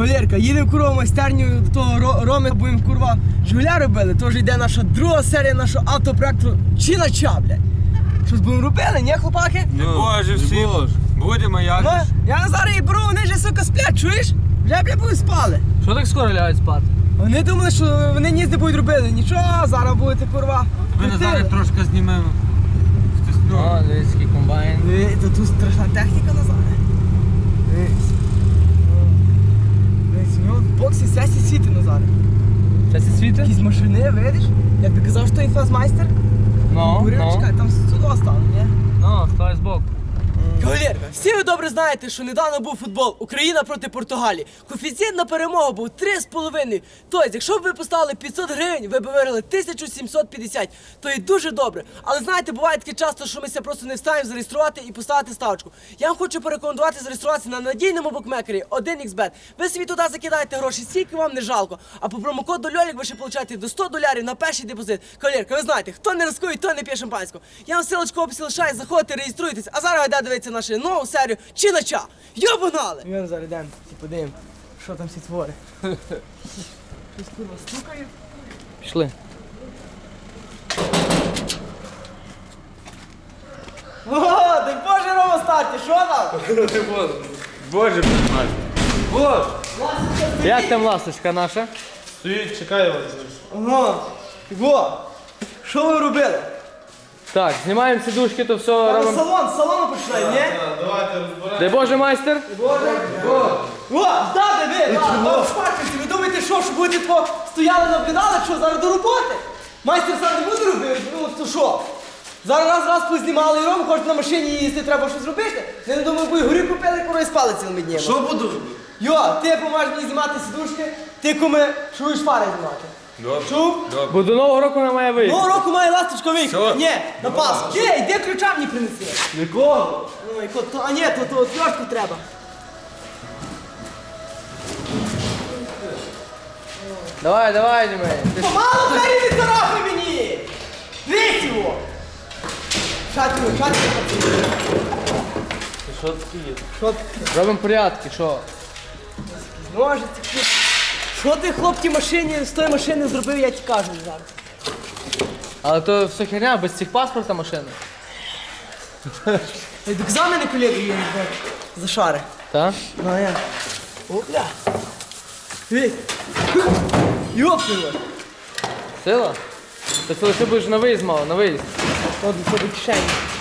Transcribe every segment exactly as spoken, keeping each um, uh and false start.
Кавалерка, їдемо курва в майстерню до того Ро- Роми, будемо курва Жигуля робили. Тож йде наша друга серія нашого автопроекту Чинача, блядь. Щось будемо робили, ні, хлопаки? Не боже всі, будемо як. Ну, я зараз і беру, вони вже, сука, сплять, чуєш? Вже, блядь, будуть спали. Що так скоро лягають спати? Вони думали, що вони ніс не будуть робити. Нічого, зараз будете, курва. Ми крутили. зараз трошки знімемо. О, дивись, який комбайн. Диви, то тут страшна техніка назад. Дивись. Дивись, у нього в боксі сесі світи назад. Щас і світи? Якісь машини, видиш? Як ти казав, що інфазмайстер? Ну, Бурячка, ну. там сюди стало, ні? Ну, стой збоку. Кавалерка, всі ви добре знаєте, що недавно був футбол Україна проти Португалії. Коефіцієнт на перемогу був три з половиною. Тобто, якщо б ви поставили п'ятсот гривень, ви б виграли тисячу сімсот п'ятдесят. То і дуже добре. Але знаєте, буває таке часто, що ми ся просто не встаємо зареєструвати і поставити ставочку. Я вам хочу порекомендувати зареєструватися на надійному букмекері один ікс бет. Ви собі туди закидаєте гроші, скільки вам не жалко. А по промокоду Льолік ви ще получаєте до сто доларів на перший депозит. Кавалерка, ви знаєте, хто не рискує, той не п'є шампанського. Я вам силочку в описі лишаю, заходьте, реєструйтесь. А зараз йде дивитися нашу нову серію Чинача. Йо, погнали! Ми зараз йдемо, всі подивимо, що там всі твори. Щось курва стукає. Пішли. О, дай Боже, Рома, старті, що там? Боже, блядь. Вот. Як там ласточка наша? Стоїть, чекає вас. Ага, во, що ви робили? Так, знімаємо сідушки, то все Зараз робимо. салон, з салону починаємо, ні? Давайте розбираємо. Дай Боже, майстер. Боже, о, здати ви, да, шпарківці, ви думаєте, що, що будете по стояли, наблюдали, що, зараз до роботи? Майстер сам не буде робити, ну, то що? Зараз раз, раз познімали і Рому, хочуть на машині їсти, треба щось робити. Я не думаю, бо і горі купили, коли спали цілими днями. Що буду робити? Йо, ти поможеш мені знімати сідушки, ти куми, чуєш фари знімати. Добре. Чув? Бо до Нового року вона має вийти. Нового року має ласточка виїхати. Що? Ні, на Пасху. Ні, йди ключа мені принеси. Нікого. Ой, ко- то, а ні, то, то отвертку треба. Давай, давай, Дімей. Ти ж- Помало двері не царапай мені! Дивись його! Шатю, шатю, пацани. Що таке є? Що ти? Робимо порядки, що? Ножиці. Що ти, хлопці, машині, з тої машини зробив, я ті кажу зараз. Але то все херня, без цих паспорта машини. Ей, до екзамени колеги є, не знаю. За шари. Так? Ну, а я. Опля. Дивись. Йопнуло. Сила? Ти це лише будеш на виїзд мало, на виїзд. От, до до кишені.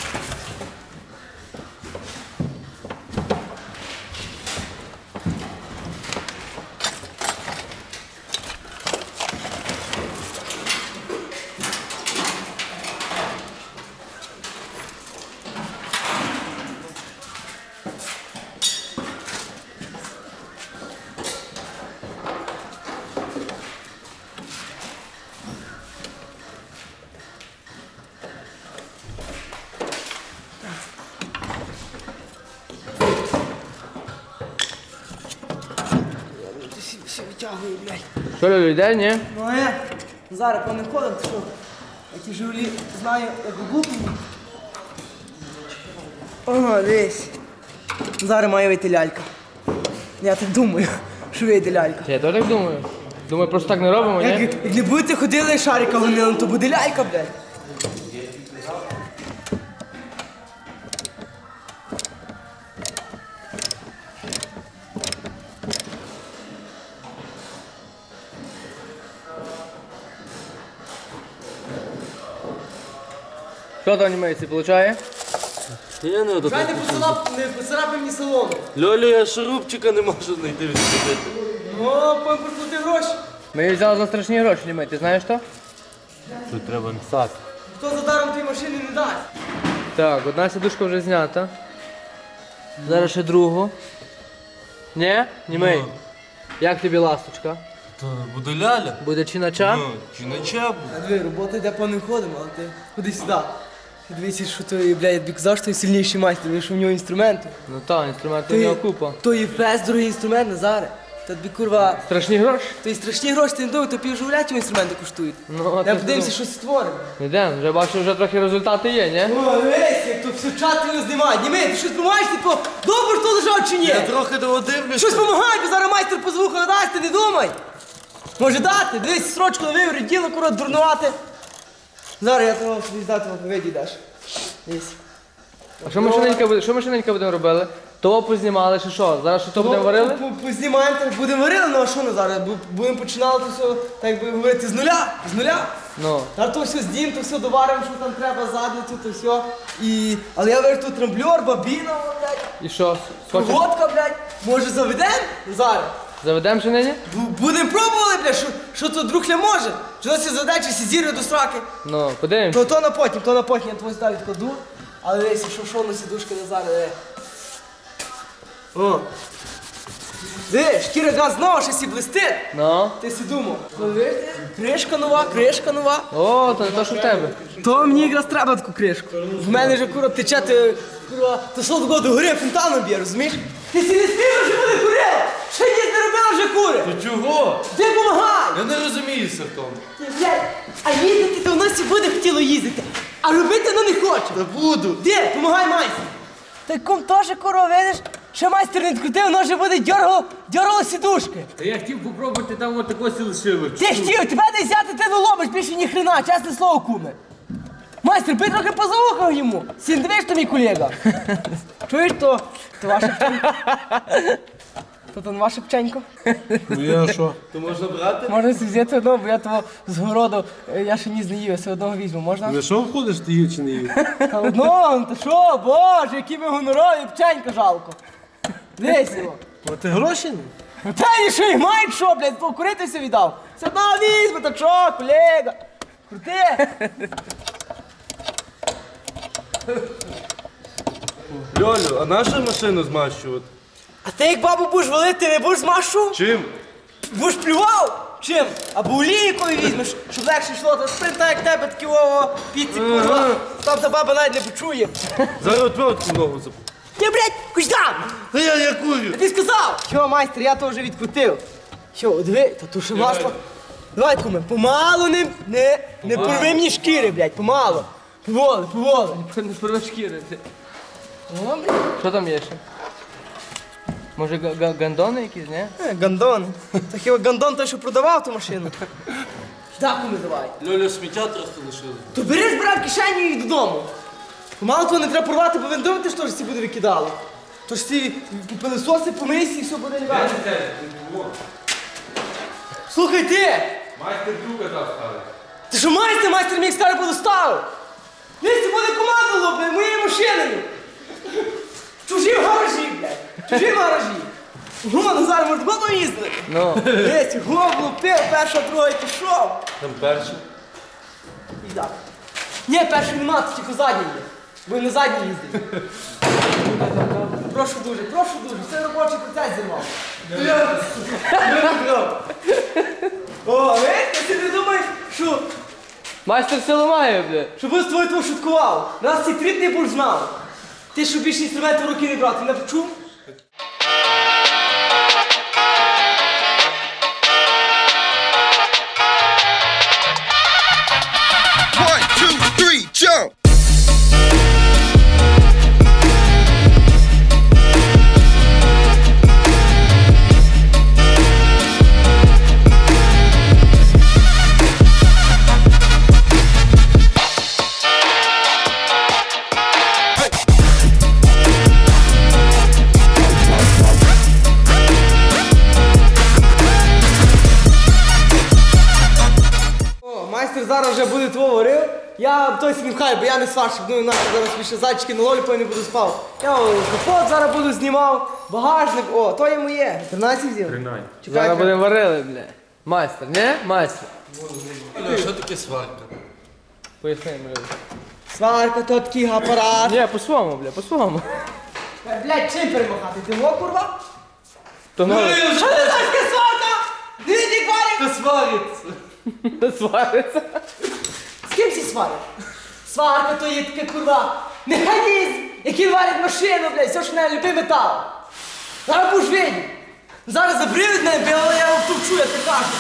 Всі, всі витягую, блядь. Що, Льолю, йде, ні? Ну а я зараз по не ходом, то що? Я ті Жигулі знаю, як глупні. Ага, дивись. Зараз має вийти лялька. Я так думаю, що вийде лялька. Я теж так думаю. Думаю, просто так не робимо, Як, ні? як не будете ходили шарика гонили, то буде лялька, блядь. Що там німейці, получає? Я не Чай не поцарап- не поцарапай мені салону. Льолю, я шурупчика не можу знайти відсюди. Ну, потім прикрути гроші. Ми її взяли за страшні гроші, німей, ти знаєш що? Тут треба написати. Хто за даром тій машини не дасть? Так, одна сідушка вже знята. Зараз ще другу. Ні? Німей. Ну. Як тобі ласточка? То буде ляля. Буде чинача? Ну, чи не ча буде? А диви, робота йде по ним ходимо, але ти ходи сюди. Ти дивися, що той, блядь, я тобі казав, що той сильніший майстер, дивись, що в нього інструменти. Ну так, інструменти То у є- нього купа. То є фест, другий інструмент, Назаре. Та тобі, курва, Страшні гроші. то й страшні гроші, ти не думай, то півживля ті інструменти коштують. Ну, Я ти подивимося, ж щось створимо. Йдемо, вже бачу, вже трохи результати є, ні? О, весь, як тут все чатило знімають. Німи, ти щось допомагаєш, ти по добре, що лежав чи ні? Я трохи дивлюся. Щось допомагай, бо зараз майстер по звуку надасть, ти не думай. Може дати, дивись, срочку на виворі, діло, корот, дурнувати. Зараз я того собі здати вам поведі даш. Дивись. А що ми шиненька буде, що ми шиненька будемо робили? То познімали чи що? Зараз що то будемо варили? По- по- Познімаємо, так будемо варили, ну а що на зараз? Бу- Будемо починати то все, так би говорити, з нуля, з нуля. Ну. Зараз то все здім, то все доваримо, що там треба, задницю, то все. І... Але я вижу тут трамблер, бабіна, блядь, І що? Хочеш? водка, блядь. Може заведемо зараз? Заведемо ще нині? Бу- Будемо пробували, блядь, що, що тут друг не може. Що це задачі всі зірви до сраки. Ну, подивимось. То, то на потім, то на потім, я твою сюди відкладу. Але дивись, що що на сідушка не зараз. Е. О. Диви, шкіра газ знову щось і блистить. Ну. Ти си думав. Ну, видиш, кришка нова, кришка нова. О, то не то, що в тебе. То мені якраз треба таку кришку. В мене вже кура тече, ти, кура, то солодко до гори фонтаном б'є, розумієш? Ти сі не спів, вже буде курила! Ще ніч не робила вже кури! Ти чого? Ти помагай! Я не розуміюся в тому. Ти, блядь, а їздити то в нас і буде хотіло їздити, а робити ну не хоче. Та буду. Де? Помагай майстру. Та ком теж куро, видиш? Ще майстер не відкрутив, воно вже буде дьоргало, дьоргало сідушки. Та я хотів попробувати, там от такого лишили. Ти хотів, тебе не взяти, ти не ломиш, більше ні хрена, чесне слово, куме. Майстер, бий трохи позаухав йому. Сін, дивиш, то мій колега. Чуєш, то, то ваша пченька. То то не ваша пченько. Ну я що? То можна брати? Можна собі взяти одного, бо я того з городу, е, я ще ні не їв, я все одного візьму, можна? На що входиш, ти їв чи не їв? Та одного, та що, боже, які ми гонорові, пченька жалко. Весело. А ти гроші? Ну та ні, що їх мають, що, блядь, покуритися віддав. Все одно візьме, та що, колега. Крути. Льолю, а нашу машину змащувати? А ти як бабу будеш валити, не будеш змашу? Чим? Будеш плював? Чим? Або олійкою візьмеш, щоб легше йшло, та спринта як тебе, такі ово, піці, курва. Там та баба навіть не почує. Зараз отвертку ногу запу. Ти, блядь, хоч там! Та я, я курю. Тобі сказав! Що, майстер, я то вже відкрутив. Що, диви, та тут ще масло. Давай, куме, помалу не, не, не порви мені шкіри, блядь, помалу. Поволи, поволи. Не спорве шкіри. О, блядь. Що там є ще? Може га- га- гандони якісь, ні? Е, Гандон. Та хіба Гандон той, що продавав ту машину? Так, куме, давай. Льолю, сміття трохи лишили. То бери, збирай в кишеню і додому. Помалу того не треба порвати, бо ви не думаєте, що ж ці буде викидали. Тож ці пилисоси, помийся і все буде лягати. Слухай ти! Майстер друга ставить. Ти що майстер, майстер мій скаже буду ставив? Дивись, це буде команда лопне, моєю машиною. Чужі в гаражі, блядь. Чужі в гаражі. Го, Назар, може бабу їздити? Ну. Дивись, го, влупив, перша, друга і пішов. Там перший. І так. Ні, перший нема, це тільки задній є. Бо він не задній їздить. Прошу дуже, прошу дуже, це робочий процес зірвав. О, видите, ти не думаєш, що, Майстер силу має, бля. щоб я з тобою того шуткував. Нас ці тріп не будеш знав. Ти що більше інструменти в руки не брати, не почув? One, two, three, jump! О, майстер зараз вже буде твого варив. Я той собі хай, бо я не сварщик, ну інакше зараз більше зайчики на лолі, не буду спав. Я о, капот зараз буду знімав, багажник, о, то є моє. тринадцять взяв? Тринадцять. Чекай, Зараз будемо варили, бля. Майстер, ні? Майстер. Льолю, що таке сварка? Поясни, бля. сварка, то такий апарат. Ні, по-своєму, бля, по-своєму. Е, Блядь, чим перемагати? Ти во, курва? То ну, Що ти знаєш, яка сварка? Дивіться, кварик! Та свариться. не свариться. З ким всі сварять? Сварка то є таке, курва, механізм, який варить машину, блядь, все, що не любий метал. Зараз будеш видіти. Зараз забриють мене, бо я його втовчу, я так кажу.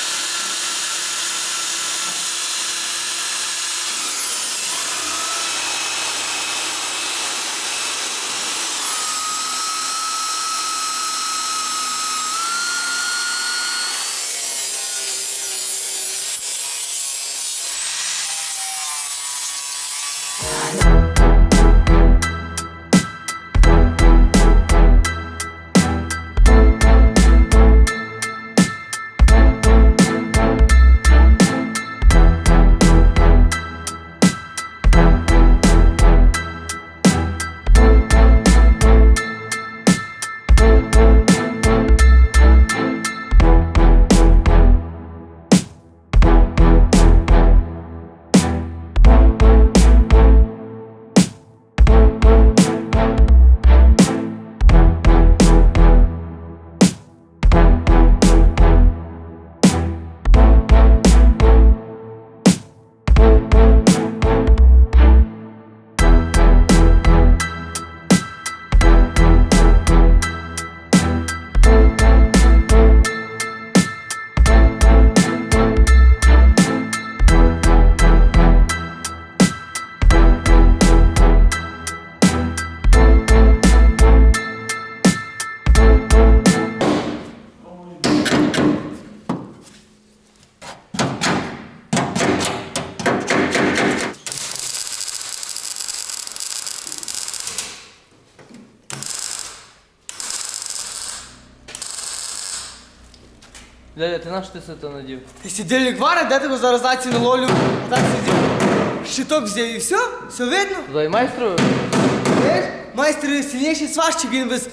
Дядя, ти на що ти це то надів? Ти сидільник варить, де тебе зараз наці наловлю? А так сидів. Щиток взяв і все? Все видно? Дай майстру? Знаєш, майстер сильніший сварщик, він без...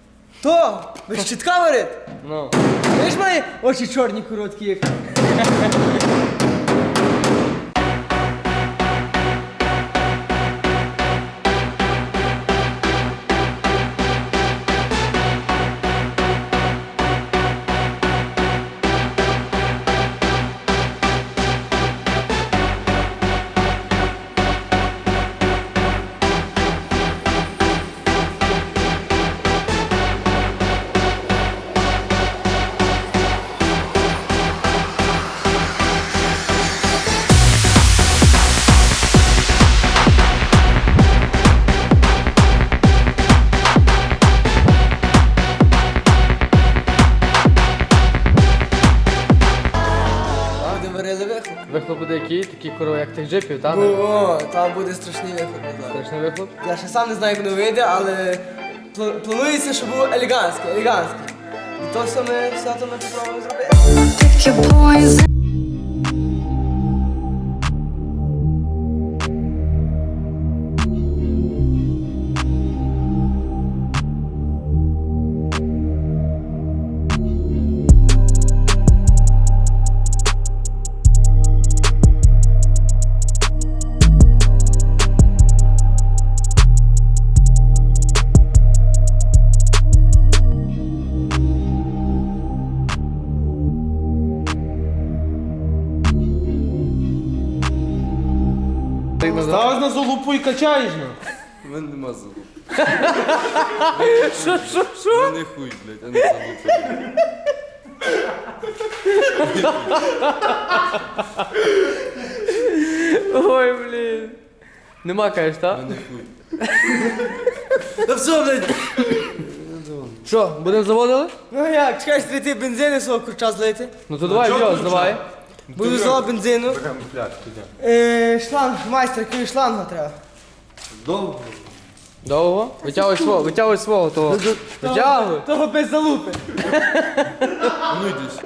То, без щитка варить. Ну. Знаєш, має очі чорні короткі, як... Будемо варили вихлоп. Вихлоп буде який? Такий корова, як тих джипів, так? О, там буде страшний вихлоп, Назар. Страшний вихлоп? Я ще сам не знаю, як воно вийде, але пла- планується, щоб було елегантське, елегантське. І то все ми, все то ми попробуємо зробити. Pick your poison. Ставиш на залупу і качаєш, ну. У мене нема залупи. Що, що, що? У мене хуй, блядь, а не залупа. Ой, блін. Нема, кажеш, так? У мене хуй. Та все, блядь. Що, будемо заводили? Ну як, чекаєш трійти бензину свого курча злити? Ну то давай, відео, давай. Буду злила бензину. Е, шланг, майстер, який шланга треба. Довго? Довго? Витягуй свого, витягуй свого того. Витягуй. Того без залупи. Ну йдись.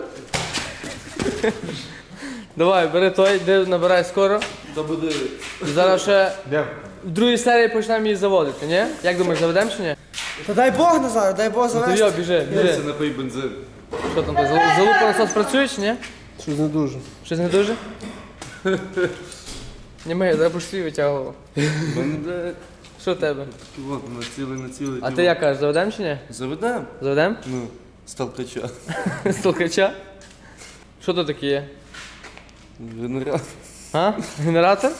Давай, бери той, йди набирай скоро. Та буде... І зараз ще в другій серії почнемо її заводити, ні? Як думаєш, заведемо чи ні? Та дай Бог, Назар, дай Бог Ну то завести. йо, біжи, Це біжи. напий бензин. Що там, зал- залупа насос працює чи ні? Щось не дуже. Щось не дуже? Ні, ми, я б свій витягував. У мене, блядь, Що в тебе? от, на цілий, на цілий. А ти як кажеш, заведемо чи ні? Заведем? Заведемо? Ну, з толкача. З толкача? Що тут таке є? Генератор. А? Генератор?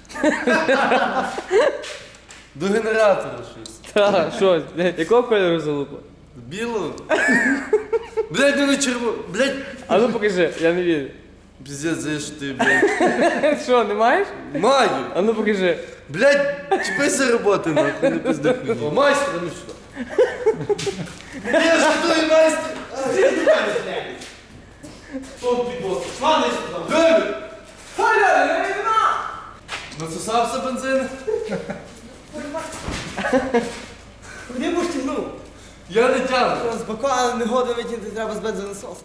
До генератора щось. Так, що? Якого кольору залупа? Білого? Блядь, ну не черво. Блядь. А ну покажи, я не вірю. Пиздец, за що ти, блядь. Що, не маєш? Маю. А ну покажи. Блядь, чіпайся роботи, нахуй, не пизди хуйні. О, майстер, ну сюди. Я ж той майстер. Насосався бензин? Куди будеш тягнув? Я не тягну. З бака не года витягнути треба з бензонасосу.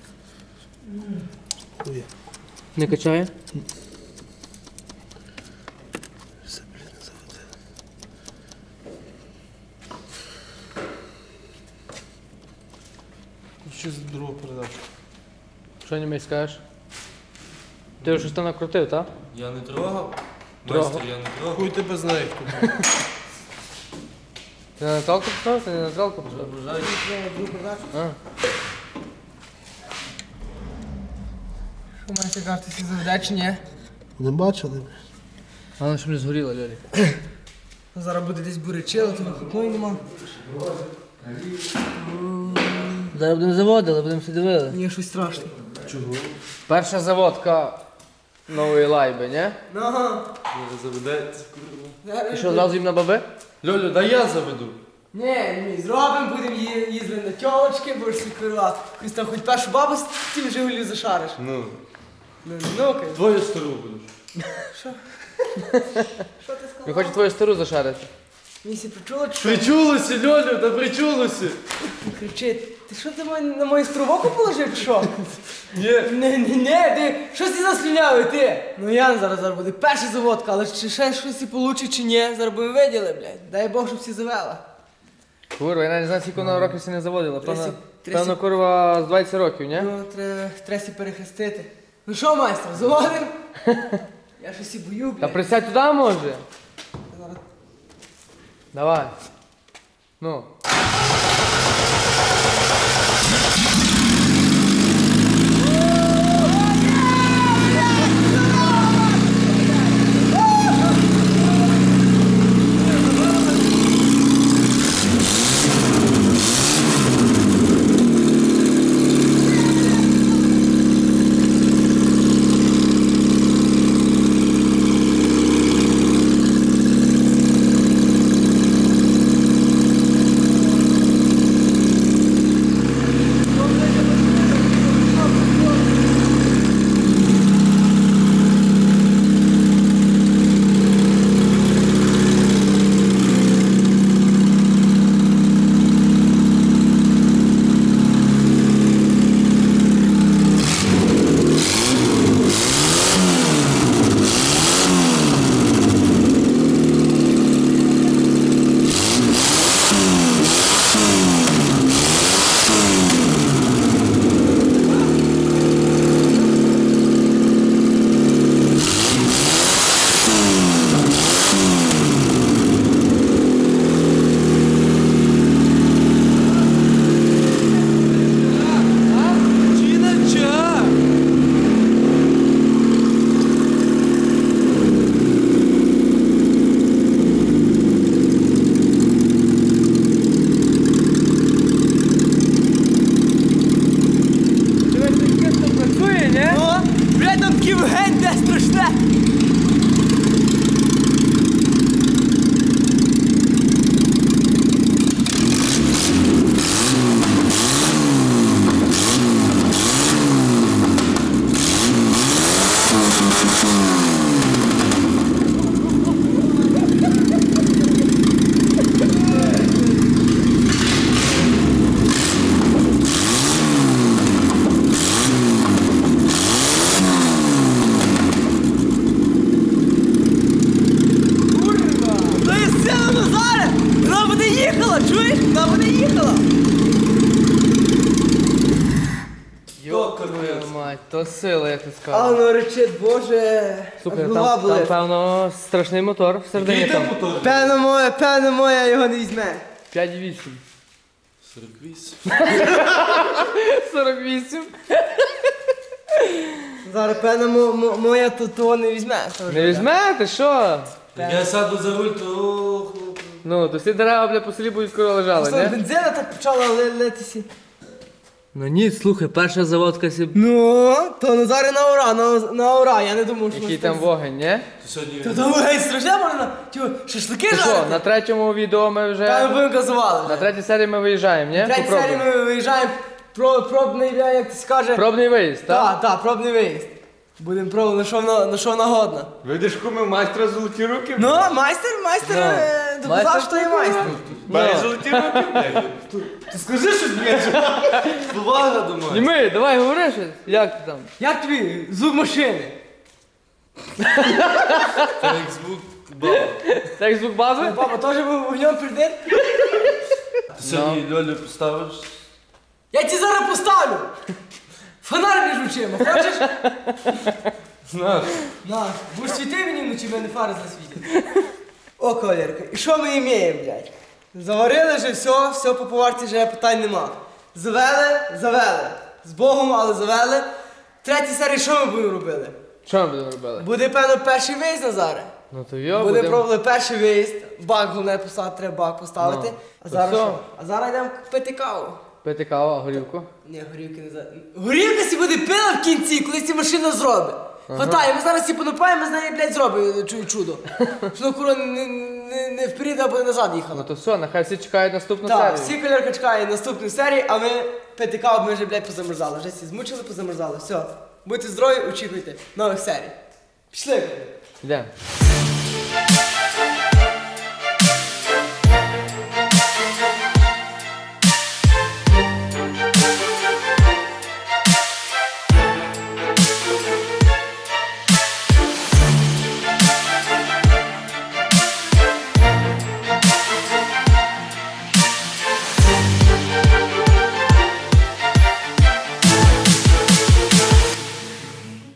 Не качає? Що за другу передачу? Що німець скажеш? Ти вже щось там накрутив, так? Я не трогав. Трогав. Майстер, я не трогав. Хуй тебе знає, хто. Ти на наталку пішов? Ти не на наталку пішов? А. Що маєте картися заведе чи ні? Не бачили? Головне, щоб не згоріло, Льолі. Зараз буде десь бурячило, то вихопної нема. Зараз будемо заводили, будемо все дивили. Мені щось страшно. Перша заводка нової лайби, ні? Ага. Заведеться. І що, одразу їм на баби? Льолю, дай я заведу. Ні, ні, зробимо, будемо ї- їздити на тьолочки, будеш собі керувати. Якусь там хоч першу бабу з тим Жигулів зашариш. Ну, Ну, ну-ка. твою стару будеш. Що ти сказав? Він хоче твою стару зашарити. Місі причула, чи що? Причулося, Льолю, та причулося. Кричить. Ти що ти мої- на мою стровоку положив, чи що? Ні. Не, не, не, ти, щось ти заслюнявий, ти. Ну Ян зараз, зараз буде перша заводка, але чи ще щось і получить, чи ні, зараз будемо виділи, блядь. Дай Бог, щоб всі завела. Курва, я навіть не знаю, скільки вона років це не заводила. Певно, Тридцять- тридцять. певно, курва, з двадцять років, ні? Ну, треба, треба сі перехрестити. Ну що, майстер, заводим? Я щось і бою, Та блядь. присядь туди, може. Зараз. Давай. Ну. Працює, ні? О, блядь, там такий вогонь, де страшне. Курва! То є сила Назаре! Вона буде їхала, чуєш? Вона буде їхала! Йока твою мать, то сила, як ти А сказав. воно речить, боже, Слухай, аж голова там, там, болить. певно, страшний мотор всередині там. Певно моя, певно моя його не візьме. п'ять вісім. сорок вісім. сорок вісім. Зараз певно мо- мо- моя то того не візьме. Не візьмете, що? Як я сяду за руль, то... хлоп. Ну, то всі дерева, бля, по селі будуть скоро лежали, Що, не? бензина так почала ли- литися. Ну ні, слухай, перша заводка сі... Ну, то Назаре на ура, на, на ура, я не думав, що... Який ми там з- вогонь, ні? Сьогодні Та там геть страшне можна, тю, шашлики Ти що, жарити? на третьому відео ми Та ми вже... будемо газували. На третій серії ми виїжджаємо, ні? В третій серії Попробуй. ми виїжджаємо, про, пробний, бля, як ти скаже. Пробний виїзд, так? Так, так, пробний виїзд. Будемо пробувати, на що вона, на що вона годна. Видиш, куми майстра золоті руки? Ну, майстер, майстер Ну, е, доказав, майстер що є майстер. Має золоті руки, блядь. Ти скажи щось, блядь. повага до мене. Німи, давай говори щось. Як ти там? Як тобі звук машини? Це як звук баба. Так звук баби? Папа теж був вогнем прийде? Ти сьогодні Льолю поставиш? Я тебе зараз поставлю. Фонарь між очима, хочеш? Знаєш. На, будеш світи мені вночі, в мене фари засвітять. О, колірка, і що ми імеємо, блядь? Заварили вже все, все по поварці вже питань нема. Завели, завели. З Богом, але завели. Третій серії що ми будемо робити? Що ми будемо робити? Буде, певно, перший виїзд Назаре. Ну то йо, Буде будемо... пробували перший виїзд. Бак головне поставити, треба бак поставити. Ну, А то зараз все. що? А зараз йдемо пити каву. Пити каву, а горівку? Ні, горівки не за. Горівка сі буде пила в кінці, коли ці машина зробить. Хватає, ми зараз всі понапаємо, ми з нею, блядь, зробимо чу- чудо. Що на куро не, не, не вперед або назад Ну їхала. то все, нехай всі чекають наступну Так, серію. всі колірка чекає наступної серії, а ми пити каву, ми вже, блядь, позамерзали. Вже всі змучили, позамерзали. Все. Будьте здорові, очікуйте нових серій. Пішли. Йдемо.